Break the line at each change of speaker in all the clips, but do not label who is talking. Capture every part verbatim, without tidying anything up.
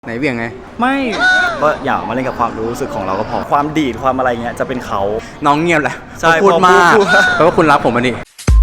ไหนเบี่ยงไง
ไม่ก็อย่ามาเล่นกับความรู้สึกของเราก็พอความดีดความอะไรเงี้ยจะเป็นเขา
น้องเงียบแหละ
ใช่
พูดมาก
เพ
ราะว่าคุณรักผมอ่ะดิ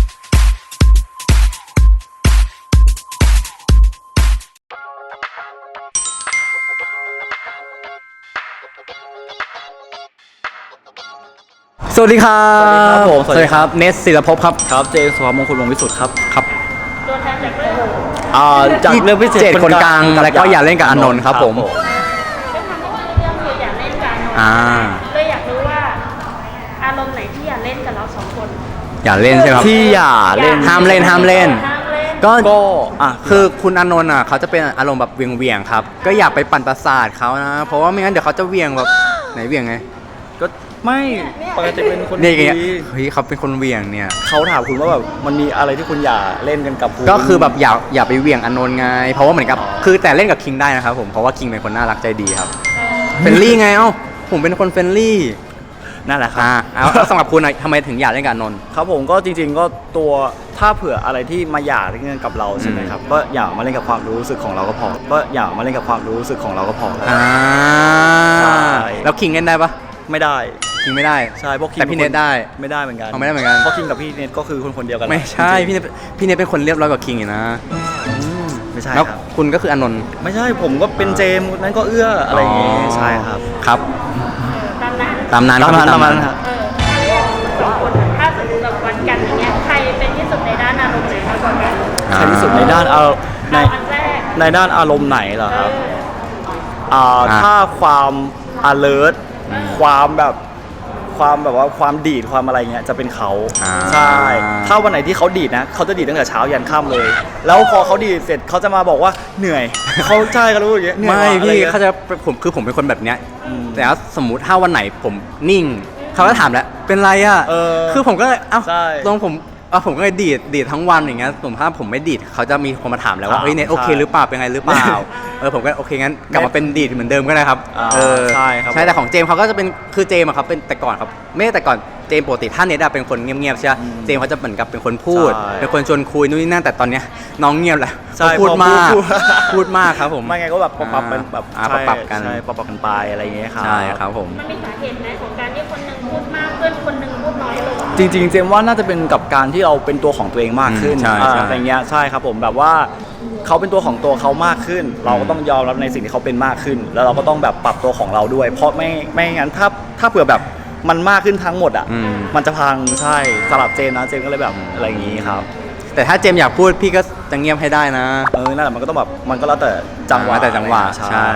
สวัสดีครับสวัสดีครับเนสศิลภพครับ
ครับเจสุภาพมงคลวงศ์วิสุทธิ์ครับ
ครับ
ตัวแทนจากเรื่อง
อ่าจากเรื่องพิเศษ
คนกลางแล้วก็อย่าเล่นกับอานนท์ครับผม
ก็ทำให้เรื่องคืออยากเล่นกับอานนท์เลยอยากรู้ว่าอารมณ์ไหนที่อยากเล่นกับเราสองคน
อย่าเล่นใช่ไหมครับ
ที่อย่าเล่น
ห้ามเล่นห้ามเล่น
ก็ก็
อ่ะคือคุณอานนท์อ่ะเขาจะเป็นอารมณ์แบบเวียงเวียงครับก็อย่าไปปั่นประสาทเขานะเพราะว่าไม่งั้นเดี๋ยวเขาจะเวียงแบบไหนเวียงไง
ก็ไม่ปกติเป็นคน
ดีเฮ้ยเขาเป็นคนเวียงเนี่ย
เขาถามคุณว่าแบบมันมีอะไรที่คุณอย่าเล่นกันกับคุณ
ก็คือแบบอย่าอย่าไปเวียงอานนท์ไงเพราะว่าเหมือนกับคือแต่เล่นกับคิงได้นะครับผมเพราะว่าคิงเป็นคนน่ารักใจดีครับเฟรนลี่ไงเอ้าผมเป็นคนเฟรนลี่
นั่นแหละครับ
เอาสำหรับคุณทำไมถึงอยากเล่นกับอานนท์
ครับผมก็จริงๆก็ตัวถ้าเผื่ออะไรที่มาอยากเล่นกับเราใช่ไหมครับก็อย่ามาเล่นกับความรู้สึกของเราก็พอก็อย่ามาเล่นกับความรู้สึกของเราก็พอ
อ่าแล้วคิงเล่นได้ปะ
ไม่ได้
คิงไม่ได้
ใช่เพราะคิง
แต่พี่เนทได้
ไม่ได้เหมือนกัน
ไม่ได้เหมือนกัน
เพราะคิงกับพี่เนทก็คือคนคนเดียวกัน
ไม่ใช่พี่เนทพี่เนทเป็นคนเรียบร้อยกว่าคิงอยู่นะ
ไม่ใช่
แล้ว
ครับ
คุณก็คืออานนท์
ไม่ใช่ผมก็เป็นเจมนั้นก็เอื้ออะไรอย่างงี้ใช่ครับ
ครับ
ตามนั้น
ตามนั้น
ตามนั้นตามนั้นครับ
เออสองคนถ้าสมมติแบบวันกันอย่างเงี้ยใครเป็นที่สุดในด้านอารมณ์ไหนมากกว่ากัน
ใครที่สุดในด้านเอาในในด้านอารมณ์ไหนเหรอครับอ่าถ้าความ alert ความแบบความแบบว่าความดีดความอะไรเงี้ยจะเป็นเขาใช่ถ้าวันไหนที่เขาดีดนะเขาจะดีดตั้งแต่เช้ายันค่ำเลยแล้วพอเขาดีดเสร็จเขาจะมาบอกว่าเหนื่อยเขาใช่เขารู้อย่างเงี้ย
ไม่พี่เขาจะผมคือผมเป็นคนแบบเนี้ยแต่ว่าสมมุติถ้าวันไหนผมนิ่งเขาก็ถามแล้วเป็นไรอ่ะคือผมก็เลยเอ้าตรงผมเออผมก็เลยดีดดีดทั้งวันอย่างเงี้ยสมมติถ้าผมไม่ดีดเขาจะมีคนมาถามแล้วว่าเฮ้ยเนทโอเคหรือเปล่าเป็นไงหรือเปล่าเออผมก็โอเคงั้นกลับมาเป็นดีดเหมือนเดิมก็ได้ครับ
เออใช่ครับ
ใช่แต่ของเจมเขาก็จะเป็นคือเจมอะครับเป็นแต่ก่อนครับไม่แต่ก่อนเจมปกติถ้าเนทเป็นคนเงียบๆใช่ไหมเจมเขาจะเหมือนกับเป็นคนพูดเป็นคนชวนคุยนู่นนี่นั่นแต่ตอนเนี้ยน้องเงียบแหละพูดมากพูดมากครับผม
ไม่ไงก็แบบปรับเป็นแบบ
ปรับกัน
ใช่ปรับกันไปอะไรอย่างเงี้ยครับ
ใช่ครับผม
มันมีสาเหตุไหมของการที่คนนึงพูดมากเพื่อนคนนึงพูดน้อยลง
จริงๆเจมว่าน่าจะเป็นกับการที่เราเป็นตัวของตัวเองมากขึ้นอะไรเงี้ยใช่ครับผมแบบว่าเขาเป็นตัวของตัวเขามากขึ้นเราก็ต้องยอมรับในสิ่งที่เขาเป็นมากขึ้นแล้วเราก็ต้องแบบปรับตัวของเราด้วยเพราะไม่ไม่งั้นถ้าถ้าเผื่อแบบมันมากขึ้นทั้งหมดอ่ะมันจะพังใช่สลับเจมนะเจมก็เลยแบบอะไรอย่างงี้ครับ
แต่ถ้าเจมอยากพูดพี่ก็จะเงียบให้ได้นะ
เออนั่นแหละมันก็ต้องแบบมันก็แล้วแต่จังหวะ
แต่จังหวะใช่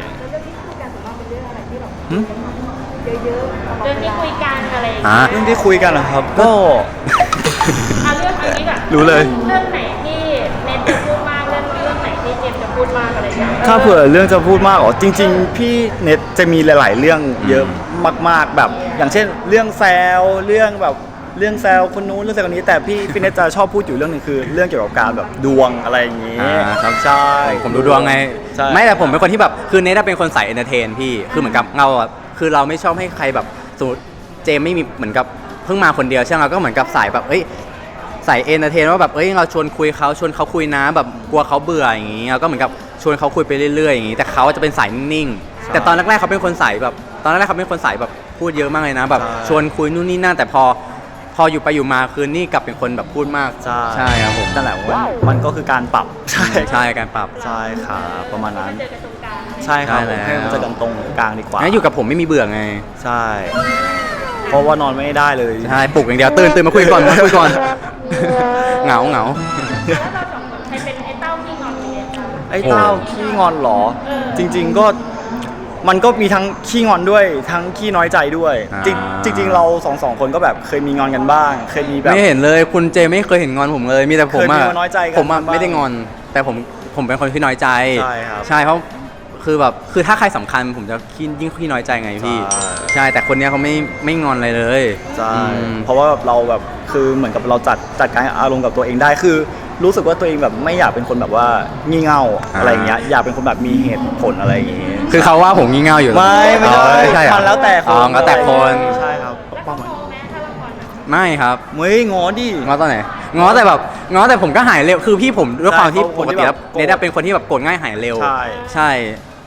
เรื่องที่คุยกันอะไร
เรื่องที่คุยกันนะครับก็
เอาเรื่องอันนี้ก่อน
รู้เลย
เรื่องไหนที่เน็ตจะพูดมากเรื่องเรื่องไหนที่เจมจะพูดมากอะไรอย่างเงี้ย
ถ้าเผื่อเรื่องจะพูดมากอ๋อจริงๆพี่เน็ตจะมีหลายๆเรื่องเยอะมากๆแบบอย่างเช่นเรื่องแซวเรื่องแบบเรื่องแซวคนนู้นเรื่องแซวคนนี้แต่พี่พี่เน็ตจะชอบพูดอยู่เรื่องนึงคือเรื่องเกี่ยวกับการแบบดวงอะไรอย่างงี้
ครับใช่ผมดูดวงไงไม่แต่ผมเป็นคนที่แบบคือเน็ตเป็นคนใส่เอนเตอร์เทนพี่คือเหมือนกับเราคือเราไม่ชอบให้ใครแบบสมมติเจมไม่มีเหมือนกับเพิ่งมาคนเดียวใช่ไหมก็เหมือนกับสายแบบเอ้ยใส่เอนเตอร์เทนว่าแบบเอ้ยเราชวนคุยเขาชวนเขาคุยนะแบบกลัวเขาเบื่ออย่างงี้เราก็เหมือนกับชวนเขาคุยไปเรื่อยๆอย่างงี้แต่เขาจะเป็นสายนิ่งๆแต่ตอนแรกๆเขาเป็นคนสายแบบตอนแรกๆเขาเป็นคนสายแบบพูดเยอะมากเลยนะแบบชวนคุยนู่นนี่นั่นแต่พอพออยู่ไปอยู่มาคือนี่กลับเป็นคนแบบพูดมากใช่ครับผม
นั่นแหละว่ามันก็คือการปรับ
ใช่ใช่การปรับ
ใช่ครับประมาณนั้นใช่ครับให้มันเจอกันตรงกลางดีกว่า
งั้นอยู่กับผมไม่มีเบื่อไง
ใช่เพราะว่านอนไม่ได้เลย
ใช่ปลุกอย่างเดียวตื่นตื่นมาคุยก่อนมาคุยก่อนเหงาเหงา
แล้วเราสองคนใครเป็นไอ้เต้าขี้งอนเนี่ย
ไอ้เต้าขี้งอนหรอจริงๆก็มันก็มีทั้งขี้งอนด้วยทั้งขี้น้อยใจด้วยจริงๆเราสองสองคนก็แบบเคยมีงอนกันบ้างเคยมีแบบ
ไม่เห็นเลยคุณเจไม่เคยเห็นงอนผมเลยมีแต่ผมอะผมอะไม่ได้งอนแต่ผมผมเป็นคนที่น้อยใจ
ใช่ครับ
ใช่เพราะคือแบบคือถ้าใครสำคัญผมจะขี้ยิ่งขี้น้อยใจไงพี่ใช่แต่คนนี้เขาไม่ไม่งอนอะไรเลย
ใช่เพราะว่าเราแบบคือเหมือนกับเราจัดจัดการอารมณ์กับตัวเองได้คือรู้สึกว่าตัวเองแบบไม่อยากเป็นคนแบบว่างี่เง่าอะไรอย่างเงี้ยอยากเป็นคนแบบมีเหตุผลอะไรอย่างเงี้ย
คือเขาว่าผมงี่เง่าอยู่
ไม่ไม่ใช่
ใช่
มันแล้วแต่คน
แล้วแต่คน
ใช่ครับ
ไม่ครับ
ไม่งอดิ
งอตอนไหนงอแต่แบบงอแต่ผมก็หายเร็วคือพี่ผมด้วยความที่ปกติแล้วเนทเป็นคนที่แบบโกรธง่ายหายเร็ว
ใช่
ใช่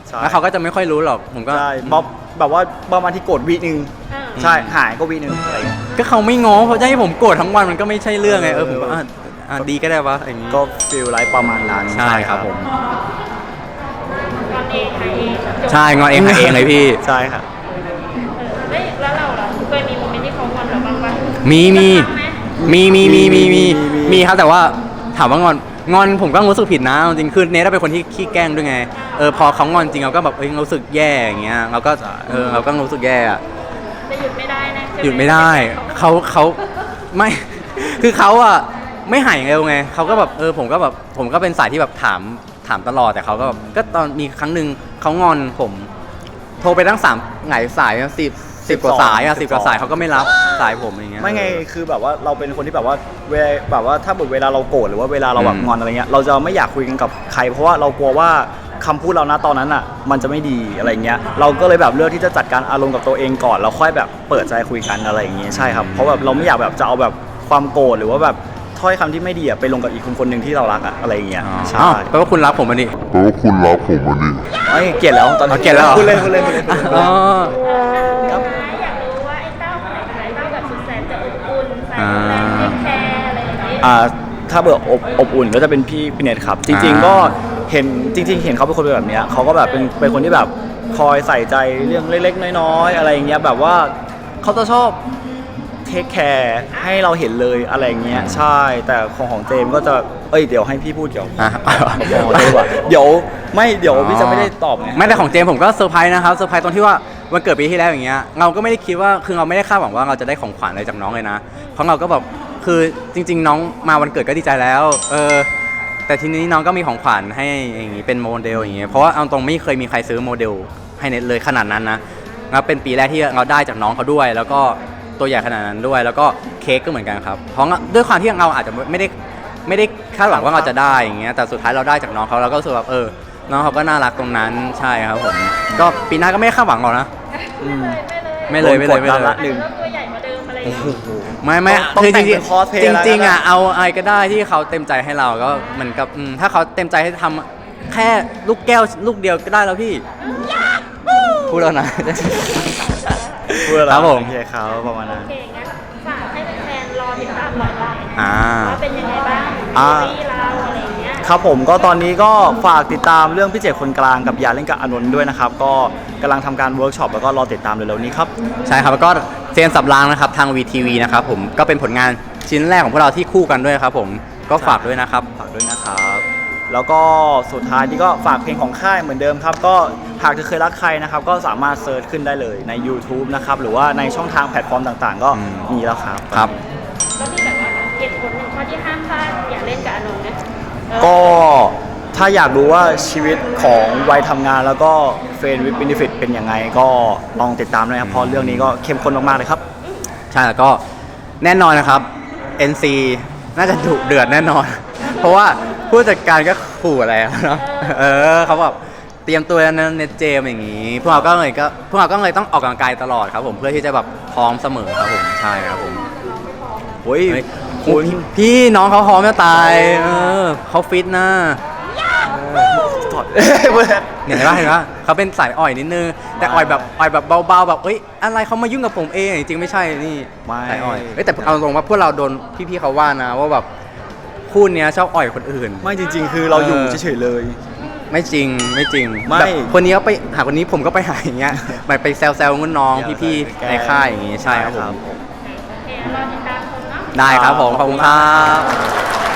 ใช่
แล้วเขาก็จะไม่ค่อยรู้หรอกผมก็
ใช่บ๊อบแบบว่าประมาณที่โกรธวีหนึ่ง
อ่า
ใช่หายก็วีหนึ่งอะไรอย่างเงี้ย
ก็เขาไม่ง้อเขาจะให้ผมโกรธทั้งวันมันก็ไม่ใช่เรื่องไงเออผมก็อ่ะอ่ะดีก็ได้วะอย่างงี้
ก็ฟีลไลฟ์ประมาณนั้น
ใช่ครับผม
ตอนเองใครเองจบ
ใช่งอนเองหาเองเลยพี่
ใช่ครับ
เออเฮ้ยแล้วเราล่ะเคยมีโมเมนต์ที่เขางอนเราบ้างปะ
มีมี
บ้างไห
มีมีมีมีมี
มีมี
มีครับแต่ว่าถามว่างอนงอนผมก็รู้สึกผิดนะจริงๆคือเนทเป็นคนที่ขี้แกล้งด้วยไงเออพอเขางอนจริงเราก็แบบเอ้ยรู้สึกแย่อย่างเงี้ยเราก็เออเราก็รู้สึกแย่อะ
แต่หยุดไม่ได้นะใช่ไ
หยุดไม่ได้เขาเขาไม่ คือเขาอะไม่หายเร็วไงเขาก็แบบเออผมก็แบบผมก็เป็นสายที่แบบถามถามตลอดแต่เขาก็แบบก็ตอนมีครั้งหนึ่งเขางอนผม โทรไปตั้งสามหลายสายสิบสิบกว่าสายอะสิบกว่าสายเขาก็ไม่รับสายผมอย่างเงี้ย
ไม่ไงคือแบบว่าเราเป็นคนที่แบบว่าเวลาแบบว่าถ้าเวลาเราโกรธหรือว่าเวลาเราแบบ
อืม
งอนอะไรเงี้ยเราจะไม่อยากคุยกันกับใคร เพราะว่าเรากลัวว่าคำพูดเรานะตอนนั้นอ่ะมันจะไม่ดีอะไรเงี้ยเราก็เลยแบบเลือกที่จะจัดการอารมณ์กับตัวเองก่อนแล้วค่อยแบบเปิดใจคุยกันอะไรอย่างเงี้ยใช่ครับเพราะแบบเราไม่อยากแบบจะเอาแบบความโกรธหรือว่าแบบถ้อยคำที่ไม่ดีอะไปลงกับอีกคนคนหนึ่งที่เรารักอะอะไรอย่างเงี้ย
อ๋อ
ใช่
อ้าวแปลว่าคุณรักผมอันนี้
แปลว่าคุณรักผมอันนี้
ไม่เกลียดแล้วตอนนี้
เอาเกลียดแล้วเหรอ
พูดเล่นพูดเล่นพูดเล่นพูดเล่น
อ๋อ
ครับอยากรู้ว่าไอ้เต้าคนไหนเป็นไอ้เต้าแบบสุดแสนจะอบอุ่นใส่แรงเทคแคร์อะไรอย่างเงี้ย
อ่าถ้าเบื่ออบอบอุ่นก็จะเป็นพี่พี่เนทครับ จริง ๆ ก็เห็นจริง ๆ เห็นเขาเป็นคนแบบเนี้ยเขาก็แบบเป็นเป็นคนที่แบบคอยใส่ใจเรื่องเล็กๆน้อยๆอะไรอย่างเงี้ยแบบว่าเขาจะชอบเทคแคร์ให้เราเห็นเลยอะไรอย่างเงี้ยใช่แต่ของของเจมส์ก็จะเอ้ยเดี๋ยวให้พี่พูดเดี๋ยว
อ่ะ
ของเจมส์ดีกว่าเดี๋ยวไม่เดี๋ยวพี่จะไม่ได้ตอบไง
ไม่แต่ของเจมส์ผมก็เซอร์ไพรส์นะครับเซอร์ไพรส์ตรงที่ว่าวันเกิดปีที่แล้วอย่างเงี้ยเราก็ไม่ได้คิดว่าคือเราไม่ได้คาดหวังว่าเราจะได้ของขวัญอะไรจากน้องเลยนะเพราะเราก็แบบคือจริง ๆ น้องมาวันเกิดก็ดีใจแล้วเออแต่ทีนี้น้องก็มีของขวัญให้อย่างงี้เป็นโมเดลอย่างเงี้ยเพราะว่าเอาตรงไม่เคยมีใครซื้อโมเดลให้เน็ตเลยขนาดนั้นนะแล้วเป็นปีแรกที่เราได้จากน้องเขาด้วย แล้วก็ตัวใหญ่ขนาดนั้นด้วย แล้วก็เค้กก็เหมือนกันครับเพราะด้วยความที่เราอาจจะไม่ได้ไม่ได้คาดหวังว่าเราจะได้อย่างเงี้ยแต่สุดท้ายเราได้จากน้องเขาเราก็รู้สึกแบบเออน้องเขาก็น่ารักตรงนั้นใช่ครับผมก็ปีหน้าก็ไม่ได้คาดหวังหรอกนะ
ไม่เลยไม่เลย
ไม่เลยไม่เลยไม่เลย
โดนกดดันละ
อาจจะเริ่มตัวใหญ่กว่าเดิมอะไรอย่างเงี้ย
ไม่ไม่
ต้อง
คือจ
แต่ง
ริ
เป็
ง
น cosplay
จริง
แล้ว
จริงๆอ่ะ
นะ
เอาอะไรก็ได้ที่เขาเต็มใจให้เราก็เหมือนกับอืมถ้าเขาเต็มใจให้ทำแค่ลูกแก้วลูกเดียวก็ได้แล้วพี่พูดแล้วนะ
เพื่อ
ครับผม
โอเคครับประมาณนั้น
โอเคงั้นฝากให้แฟนๆรอติดตามหน่อยว่า
อ่า
ว่าเป็นยังไงบ้าง
อ่า
ซีรีส์เราอะไรอย่างเงี้ย
ครับผมก็ตอนนี้ก็ฝากติดตามเรื่องพี่เจคนกลางกับยาเล่นกับอานนท์ด้วยนะครับก็กำลังทำการเวิร์กช็อปแล้วก็รอติดตามเร็วๆนี้ครับ
ใช่ครับแล้วก็เซียนสับรางนะครับทางวีทีวีนะครับผมก็เป็นผลงานชิ้นแรกของพวกเราที่คู่กันด้วยครับผมก็ฝากด้วยนะครับ
ฝากด้วยนะครับแล้วก็สุดท้ายนี่ก็ฝากเพลงของค่ายเหมือนเดิมครับก็หากจะเคยรักใครนะครับก็สามารถเซิร์ชขึ้นได้เลยใน YouTube นะครับหรือว่าในช่องทางแพลตฟอร์มต่างๆ ก็
อืม
มีแล้วครับ
ครับ
แล้วมีแบบว่าเหตุผลหนึ่งข้อที่ห้ามพลาดอย่าเล่นกับอานนท์นะเออ
ก็ถ้าอยากรู้ว่าชีวิตของวัยทำงานแล้วก็เฟรนด์วิดเบนฟิตเป็นยังไงก็ลองติดตามด้วยครับเพราะเรื่องนี้ก็เข้มข้นมากๆเลยครับ
ใช่แล้วก็แน่นอนนะครับ เอ็น ซี น่าจะดุเดือดแน่นอน เพราะว่าผู้จัดการก็ขู่อะไรอะเนาะเออเขาแบบเตรียมตัวนะเน็ตเจมอย่างนี้ พวกเราก็เลยก็พวกเราก็เลยต้องออกกำลังกายตลอดครับผมเพื่อที่จะแบบพร้อมเสมอครับผมใช่ครับผม
โอ้ย
เฮ้ย
คุณ
พี่น้องเขาพร้อมจะตายเออเขาฟิตนะ
ถอด
เนี่ยเห็นปะเห็นปะเขาเป็นสายอ่อยนิดนึงแต่อ่อยแบบอ่อยแบบเบาๆแบบเอ้ยอะไรเขามายุ่งกับผมเองจริงๆไม่ใช่นี่
ไม่
สายอ่อยเอ้ยแต่เอาตรงว่าพวกเราโดนพี่ๆเขาว่านะว่าแบบคู่เนี้ยชอบอ่อยคนอื่น
ไม่จริง ๆ คือเราอยู่
เออ
เฉยๆเลย
ไม่จริงไม่จริง
ไม่
แบบคนนี้ก็ไปหาคนนี้ผมก็ไปหาอย่างเงี้ยไปไปแซวๆงุ่นน้องพี่ๆในค่ายอย่างงี้ใช่ครับผม
โอเครอติดตามชมเนาะ
ได้ครับผมขอบคุณครับ